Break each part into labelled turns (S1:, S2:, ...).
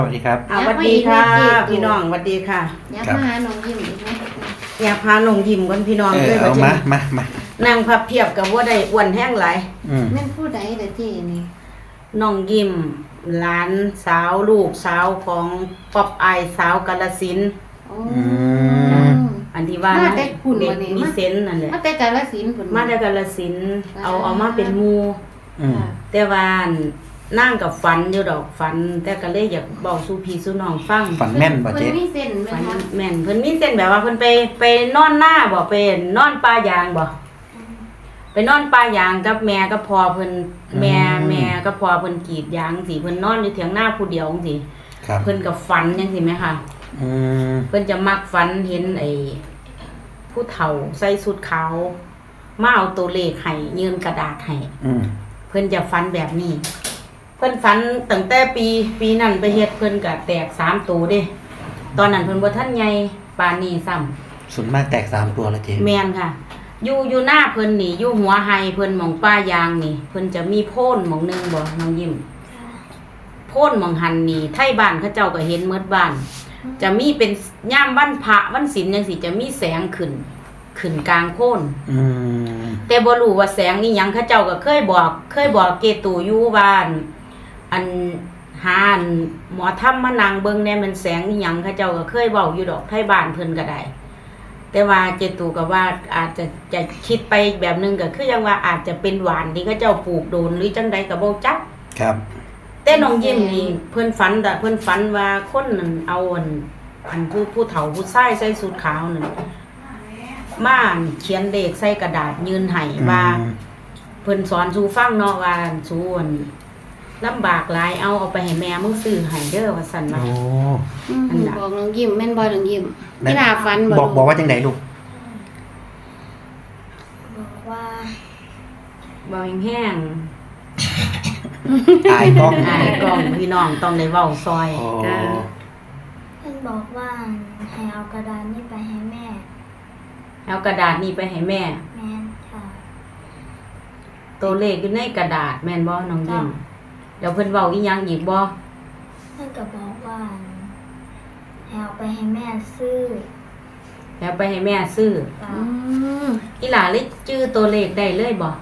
S1: สวัสดีครับ
S2: สวัสดีค่ะพี่น้องสวัสดีค่ะ
S3: อยากมาหาน้องยิ้มอีกไหม
S2: อยากพาน้องยิ้มกันพี่น้อง
S1: เลยเอามา
S2: นั่งพับเพียบกับว่าได้อ้วนแห้งหลาย
S3: แม่นผู้ใดแต่ที่นี่
S2: น้องยิ้มหลานสาวลูกสาวของป๊อบอายสาวกาฬสินธุ์อันที่ว่า
S3: มาแต่คุณ
S2: เด็ก
S3: วันนี้
S2: มีเซนนั่นแหละ
S3: มาแต่กาฬสินธุ์พุ่น
S2: มาแต่กาฬสินธุ์เอามาเป็นหมู่แต่ว่านั่งกับฝันอยู่ดอกฝันแต่ก็เลยอยากบอกสู่พี่สู่น้องฟัง
S1: ฝันแม่นบ่เจ๊
S3: เพิ่นมีเส้น
S2: ฝัน
S3: แม่น
S2: แม่นเพิ่นมีเส้นแบบว่าเพิ่นไปนอนหน้าบ่ไปนอนป่ายางบ่ไปนอนป่ายางกับแม่กับพ่อเพิ่นแม่กับพ่อเพิ่นกรีดยางสิเพิ่นนอนอยู่เถียงหน้าผู้เดียวจังซี่เพิ่นก็ฝันจังซี่แม่ค่ะเพิ่นจะมักฝันเห็นไอ้ผู้เฒ่าใส่ชุดขาวมาเอาตัวเลขให้ยืนกระดาษให้เพิ่นจะฝันแบบนี้เพิ่นฝันตั้งแต่ปีนั้นไปเฮ็ดเพิ่นก็แตก3ตัวเด้ตอนนั้นเพิ่นบ่ทันใหญ่ปานนี้ซ้ำ
S1: ส่วนมากแตก3ตัวแล้วเจ๊
S2: แม่นค่ะอยู่หน้าเพิ่นนี่อยู่หัวไฮเพิ่นหม่องป้ายางนี่เพิ่นจะมีโพ่นหม่องนึงบ่น้องยิ้มโพ่นหม่องหันนี่ไทบ้านเขาเจ้าก็เห็นหมดบ้านจะมีเป็นย่ามวันพระวันศีลจังซี่จะมีแสงขึ้นกลางโพ่นแต่บ่รู้ว่าแสงนี่หยังเขาเจ้าก็เคยบอกเกตูอยู่บ้านอันหาหมอธรรมมานั่งเบิ่งแน่มันแสงนี่หยังเขาเจ้าก็เคยเว้าอยู่ดอกไทบ้านเพิ่นก็ได้แต่ว่าเจตูก็ว่าอาจจะคิดไปแบบนึงก็คือยังว่าอาจจะเป็นหวานที่เขาเจ้าปลูกโดนหรือจังใดก็บ่จัก
S1: ครับ
S2: แต่น้องยิ้มนี่เพิ่นฝันว่าคนนั่นเอาอันผู้เฒ่าผู้ชายใส่สูทขาวนั่นมาเขียนเลขใส่กระดาษยืนให้ว่าเพิ่นสอนสู่ฟังเนาะว่าสู่ลำบากหลายเอาไปให้แม่มึงซื้อให้เด้อว่าซั่นว่า
S3: บอกน้องยิ้มแม่นบ่น้องยิ้มพี่ดาฝัน
S1: บอกว่าจังได๋ลูก
S2: บอกแห้ง
S1: อายกล้อง
S2: พี่น้องต้องได้เว้าซอย
S4: เพิ่นบอกว่าให้เอากระดาษนี้ไปให้แม่
S2: เอากระดาษนี้ไปให้แม่
S4: แม่นค่ะ
S2: ตัวเลขอยู่ในกระดาษแม่นบ่น้องยิ้มเดี๋ยวเพิ่นเว้าอีหยังอีกบ่
S4: เพิ่นก็บอกว่าให้เอาไปให้แม่ซื้อ
S2: แล้วไปให้แม่ซื้ออีหลาเลยชื่อตัวเลขได้เลยบ่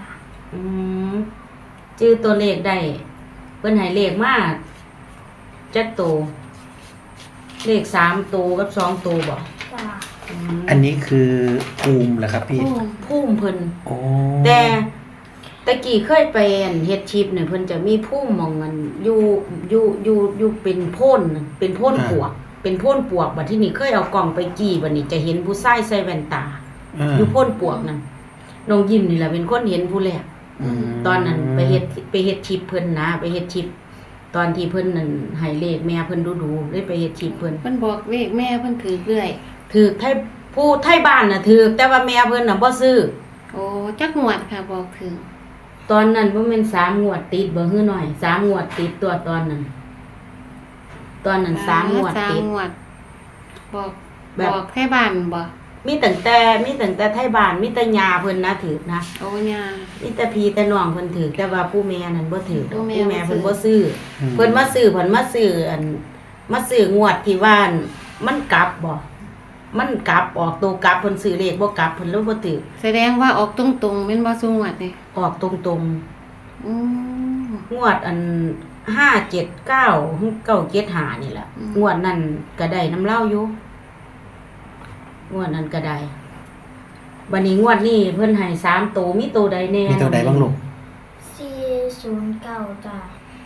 S2: ชื่อตัวเลขได้เพิ่นให้เลขมาจักตัวเลข3ตัวกับ2ตัวบ่
S1: อันนี้คือภูมิเหรอครับพี่
S2: ภูมิเพิ่นแต่ตะกี้เคยไปเฮ็ดชิปเนี่ยเพิ่นจะมีภูมิหม่องกันอยู่เป็นโพ่นปวกเป็นโพ่นปวกบัดที่นี่เคยเอากล่องไปจี้บัดนี้จะเห็นผู้ชายใส่แว่นตาอยู่โพ่นปวกนั่นน้องยิ้มนี่ล่ะเป็นคนเห็นผู้แรกตอนนั้นไปเฮ็ดชิปเพิ่นนะไปเฮ็ดชิปตอนที่เพิ่นนั่นให้เลขแม่เพิ่นดูๆเลยไปเฮ็ดชิปเพิ่น
S3: บอกเลขแม่เพิ่นถือเรื่อย
S2: ถือไทบ้านน่ะถือแต่ว่าแม่เพิ่นน่ะบ่ซื้อ
S3: โอ้จักงวดค่ะบอกถึง
S2: ตอนนั้นบ่แม่น3งวดติดบ่ฮือหน่อย3งวดติดตัวตอนนั้น3งวดติด
S3: บอกไทบ้านบ่
S2: มีตั้งแต่ไทบ้านมีแต่ย่าเพิ่นนะถือนะ
S3: โอ้ย่า
S2: มีแต่พี่แต่น้องเพิ่นถือแต่ว่าผู้แม่นั่นบ่ถือผู้แม่เพิ่นบ่ซื้อเพิ่นมาซื้อมาซื้องวดที่ว่ามันกลับบ่มันกลับออกตัวกลับเพิ่นซื้อเลขบ่กลับเพิ่นเลยบ่ถือ
S3: แสดงว่าออกตรงๆแม่นบ่ซุงวดนี่
S2: ออกตรงๆงวดอัน579 975นี่แหละงวดนั้นก็ได้น้ำเล่าอยู่งวดนั้นก็ได้บัดนี้งวดนี้เพิ่นให้3ตัวมีตัวใดแน่
S1: มีตัวใดบ้างลูก
S4: 409จ้ะ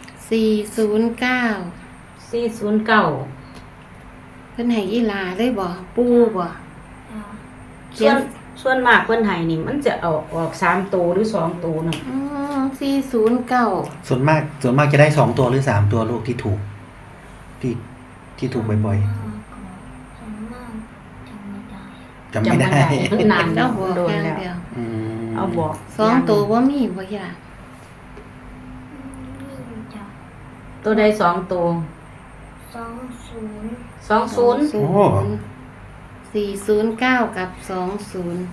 S3: 409เพิ่นให้อีหลาเลยบ่ปู่บ่
S2: ส่วนมากเพิ่นให้นี่มันจะออก3ตัวหรือ2ตัวนั่น
S3: 409
S1: ส่วนมากจะได้2ตัวหรือ3ตัวลูกที่ถูกที่ถูกบ่อยๆจำไม่ได้
S2: นานแล้วโดนแล้วเอาบอก
S3: 2ตัวบ่มีบ่ย่า
S2: ตัวใด2ตัว20
S3: 409กับ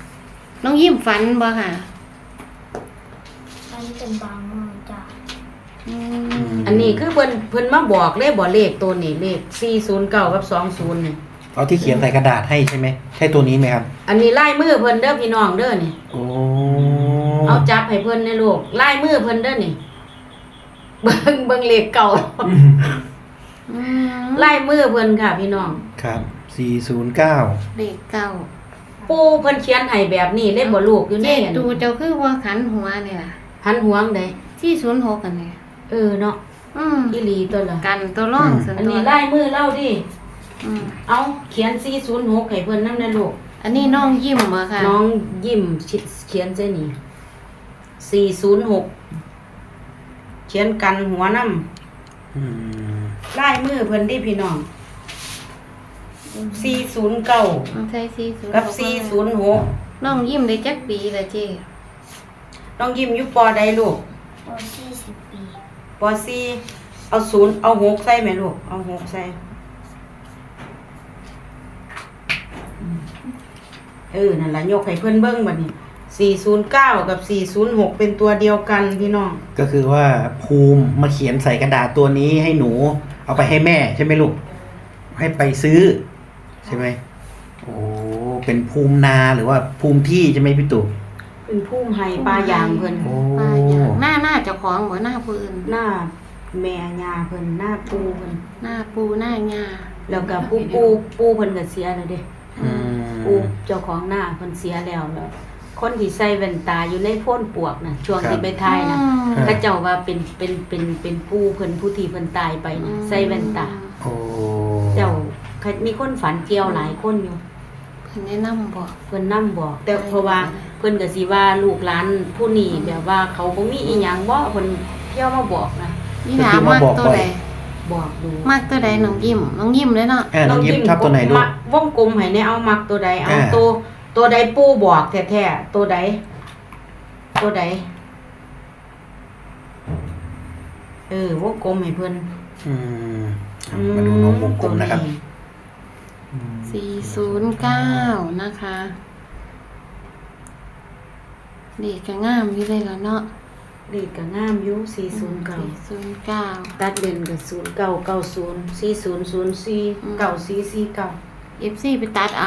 S3: 20น้องยิ้มฝันบ่ค่ะ
S4: ฝันเป็นบางมื้อจ้ะ
S2: อันนี้คือเพิ่นมาบอกเลขบ่เลขตัวนี้เลข409กับ20นี่
S1: เอาที่เขียนใส่กระดาษให้ใช่ไหมใช่ตัวนี้ไหมครับ
S2: อันนี้ลายมือเพิ่นเด้อพี่น้องเด้อนี่
S1: โอ้
S2: เอาจับให้เพิ่นในลูกลายมือเพิ่นเด้อนี่ เบิ่งเลขเก่าลายมือเพิ่นค่ะพี่น้อง
S1: ครับ409
S3: เลขเก้า
S2: ปู่เพิ่นเขียนให้แบบนี้เล่นบ่ลูกอยู่
S3: เจ๊
S2: นี่
S3: ตูเจ้าคือว่าขันหัวเนี่ยล่ะ
S2: หันหวงได้
S3: 406กันเนี่ย
S2: เนาะอีหลีตัวละ
S3: กันตัวร่องส่วน
S2: อัน
S3: ตัว
S2: นี้ลายมือเล่าดิ
S3: อืม
S2: เอาเขียน406ให้เพิ่นนำนะลูก
S3: อันนี้น้องยิ้มบ่ค่ะ
S2: น้องยิ้มเขียนเส้นนี้406เขียนกันหัวนำ
S1: อืม
S2: ลายมือเพิ่นดิพี่น้อง409
S3: มันใช่406
S2: กับ406
S3: น้องยิ้มได้จักปีละเจ๊
S2: น้องยิ้มอยู่ปอใดลูก
S4: พอ40 ปี
S2: ปอ4เอา0เอา6ใส่แม่ลูกเอา6ใส่นั่นล่ะยกให้เพิ่นเบิ่งบัดนี้409กับ406เป็นตัวเดียวกันพี่น้อง
S1: ก็คือว่าภูมิมาเขียนใส่กระดาษตัวนี้ให้หนู เอาไปให้แม่ใช่ไหมลูกให้ไปซื้อใช่ไหมโอ้เป็นภูมินาหรือว่าภูมิที่ใช่ไหมพี่ตู่
S2: เป็นผู้ให้ปลายางเพิ่น
S1: โอ้
S3: ป้าอย่างหน้าเจ้าของบ่หน้าผู้อื่น
S2: หน้าแม่ย่าเพิ่นหน้าปู่เพิ่น
S3: หน้าปูหน้าหญ้า
S2: แล้วก็ปู่เพิ่นก็เสียแล้วเด้
S1: อืม
S2: ปู่เจ้าของหน้าเพิ่นเสียแล้วคนที่ใส่แว่นตาอยู่ในโพ่นปวกน่ะช่วงที่ไปทายน่ะเขาเจ้าว่าเป็นปู่เพิ่นผู้ที่เพิ่นตายไปน่ะใส่แว่นตา
S1: โอ้
S2: เจ้ามีคนฝันเกี่ยวหลายคนอยู่
S3: เพิ่นแนะนำบอก
S2: เพิ่นนำบอก แต่เพราะว่าเพิ่นก็สิว่าลูกหลานผู้นี้แบบว่าเขาบ่มีอีหยังบ่เพิ่นเที่ยวมาบอกนะ
S3: นี่หนามากตัวใด
S2: บอกดู
S3: มากตัวใดน้องยิ้มเลยเนาะ
S1: น้องยิ้มชอบตัวไหนลูก
S2: วงกลมให้แน่เอามักตัวใดเอา
S1: อ่า
S2: ตัวใดปู่บอกแท้ๆตัวใดวงกลมให้เพิ่น
S1: อืมมาดูน้องวงกลมนะครับ
S3: 409นะคะเด็กก็งามอยู่เลยแล้วเนาะ
S2: เลขก็งามอยู่409
S3: 409
S2: ตัดเด่นก็0990 4004 9449
S3: FC ไปตัดเอา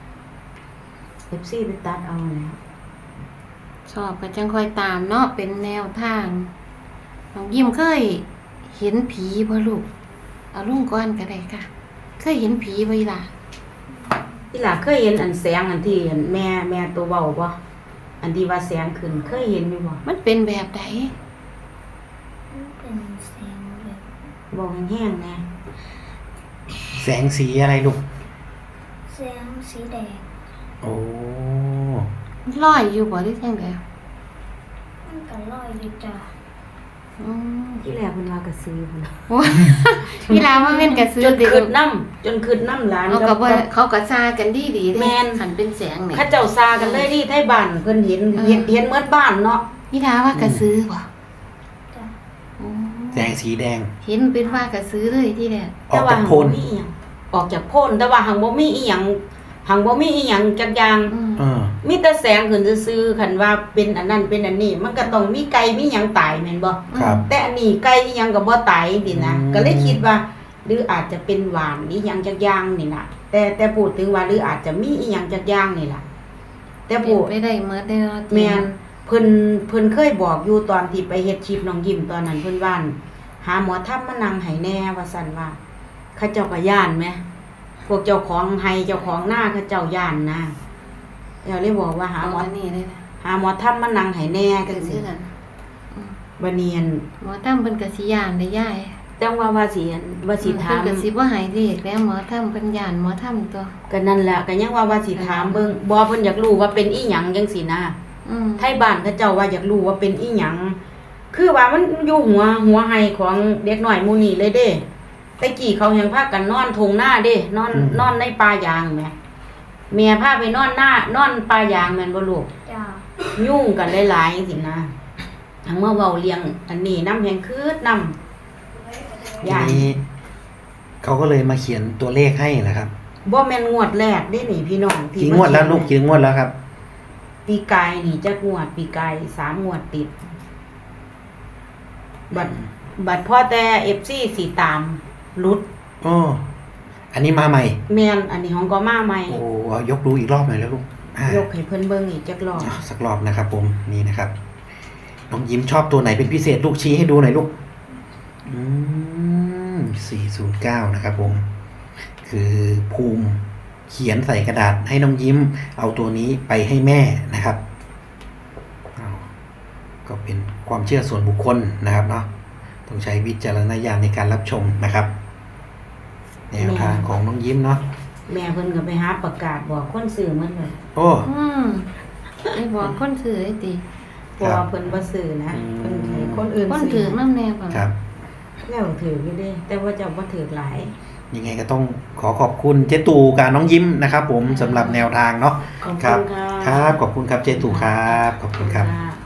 S2: FC ไปตัดเอาแล้ว
S3: ชอบก็จังค่อยตามเนาะเป็นแนวทางน้องยิ้มเคยเห็นผีบ่ลูกเอาลุงก่อนก็ได้ค่ะ เคยเห็นผีบ่อีหล่ะ
S2: อีหล่าเคยเห็นอันแสงอันที่อันแม่ตัวเว้าบ่อันที่ว่าแสงขึ้นเคยเห็นอยู่บ่
S3: มันเป็นแบบใด
S4: มันเป็นเสียงแบบ
S2: บอกแห้งๆแน่
S1: แสงสีอะไรลูก
S4: เสียงสีแดง
S1: โอ้
S3: ลอยอยู่บ่หรือจังได
S4: มันก็ลอยอยู่จ้ะ
S3: อืม
S2: ที่แรกเพิ่นว่ากระสือพุ่น
S3: โอ้ยพี่ลาว่าแม่นกระซื้อ
S2: จน
S3: ติ
S2: ขึ้นน้ำจนขึ้นน้ำหลาน
S3: เอาก็บ่เขาก็ซากันดีเด้
S2: แม่น
S3: คันเป็นแสงนี่
S2: เขาเจ้าซากันเลยที่ไทบ้านเพิ่นเห็นเมื่อบ้านเนาะ
S3: พี่ลาว่ากระซื้อบ่
S4: จ้ะ
S3: โอ้
S1: แสงสีแดง
S3: เห็นเป็นว่ากระซื้อเลยที่แรก
S1: ออกจากโพน
S2: แต่ว่าหังบ่มีอีหยังออกจากโพนแต่ว่าหังบ่มีอีหยังจักอย่าง
S3: อืม
S2: มีแต่แสงขึ้นซื่อๆคันว่าเป็นอันนั้นเป็นอันนี้มันก็ต้องมีไก่มีหยังตายแม่นบ่
S1: ครับ
S2: แต่อันนี้ไก่อีหยังก็บ่ตายดินะ
S1: อืม
S2: ก็เลยคิดว่า หรืออาจจะเป็นหวานอีหยังจักอย่างนี่น่ะ แต่พูดถึงว่าหรืออาจจะมีอีหยังจักอย่างนี่ล่ะ แต่
S3: เป็
S2: พู
S3: น
S2: ด
S3: ไปได้หมดเด้อ
S2: แม่นเพิ่นเคยบอกอยู่ตอนที่ไปเฮ็ดคลิปน้องยิ้มตอนนั้นเพิ่นว่าหาหมอทำมานั่งให้แน่ว่าซั่นว่าเขาเจ้าก็ย่านแหมพวกเจ้าของไห้เจ้าของหน้าเขาเจ้าย่านนะแล้วเลยบอกว่าหา
S3: หา
S2: ห
S3: ห
S2: ม
S3: ม
S2: อ
S3: อนี่เลยนะ
S2: หาหมอทำมานั่งให้แน่
S3: ก
S2: จั
S3: ระ
S2: ง
S3: ซื้
S2: ซี่
S3: อกัน
S2: บัดนี้อั่น
S3: หมอตั้มเป็นกระสิยานได้ย่าย
S2: แต่ว่าสิถาม
S3: เพิ่นกระสิบ่หายเลขแล้วหมอตั้มเพิ่นย่านหมอตั้มตัว
S2: ก็นั่นแหละก็ยังว่าสิถามเบิ่งบ่เพิ่นอยากรู้ว่าเป็นอีหยังจังซี่นะ
S3: อืม
S2: ไทบ้านเขาเจ้าว่าอยากรู้ว่าเป็นอีหยังคือว่ามันอยู่หัวไห้ของเด็กน้อยหมู่นี้เลยเด้แต่กี้เขายังพากันนอนทงหน้าเด้นอนในป่ายางแหมแม่พาไปนอนป่ายางแม่นบ่ลูก
S4: จ้ะ
S2: ยุ่งกันหลายๆจังซี่นะทั้งเมื่อเว้าเลี้ยงอันนี้นำแฮงคืดนำ
S1: ที
S2: ย่าน
S1: นี้เขาก็เลยมาเขียนตัวเลขให้แหละครับ
S2: บ่แม่นงวดแรกเด้นี่พี่น้อง
S1: กี่งวดแล้วลูกกี่งวดแล้วครับ
S2: ปีกายนี่จักงวดปีกาย3งวดติดบัดบัดพ่อแต่ FC สิตามรุด
S1: อ๋ออันนี้มาใหม่
S2: แม่นอันนี้ของก็มาใหม่
S1: โอ้เอายกดูอีกรอบหน่อยแล้วลูก
S2: ยกให้เพิ่นเบิ่งอีกจักรอบ
S1: สักรอบนะครับผมนี่นะครับน้องยิ้มชอบตัวไหนเป็นพิเศษลูกชี้ให้ดูหน่อยลูก409นะครับผมคือภูมิเขียนใส่กระดาษให้น้องยิ้มเอาตัวนี้ไปให้แม่นะครับก็เป็นความเชื่อส่วนบุคคลนะครับเนาะต้องใช้วิจารณญาณในการรับชมนะครับแนวทางของน้องยิ้มเนาะ
S2: แม่เพิ่นก็ไปหาประกาศบอกคนซื้อมันเลย
S1: โอ้
S3: ไอ้บอกคนถือไอ้ติ
S2: เพราะว่าเพิ่นบ่ซื้อนะเพิ่นให้คนอื่น
S3: คนถื
S2: ซื้
S3: อ
S2: อ
S3: น้ำแน่บ่
S1: ครับ
S2: แล้วถืออยู่เด้แต่ว่าเจ้าบ่ถือหลาย
S1: ยังไงก็ต้องขอขอบคุณเจตู่กับน้องยิ้มนะครับผมสำหรับแนวทางเนาะ
S2: ขอบ
S1: ครั
S2: คุณค่ะ
S1: ครับขอบคุณครับเจตู่ครับขอบคุณครับ
S2: ค่ะ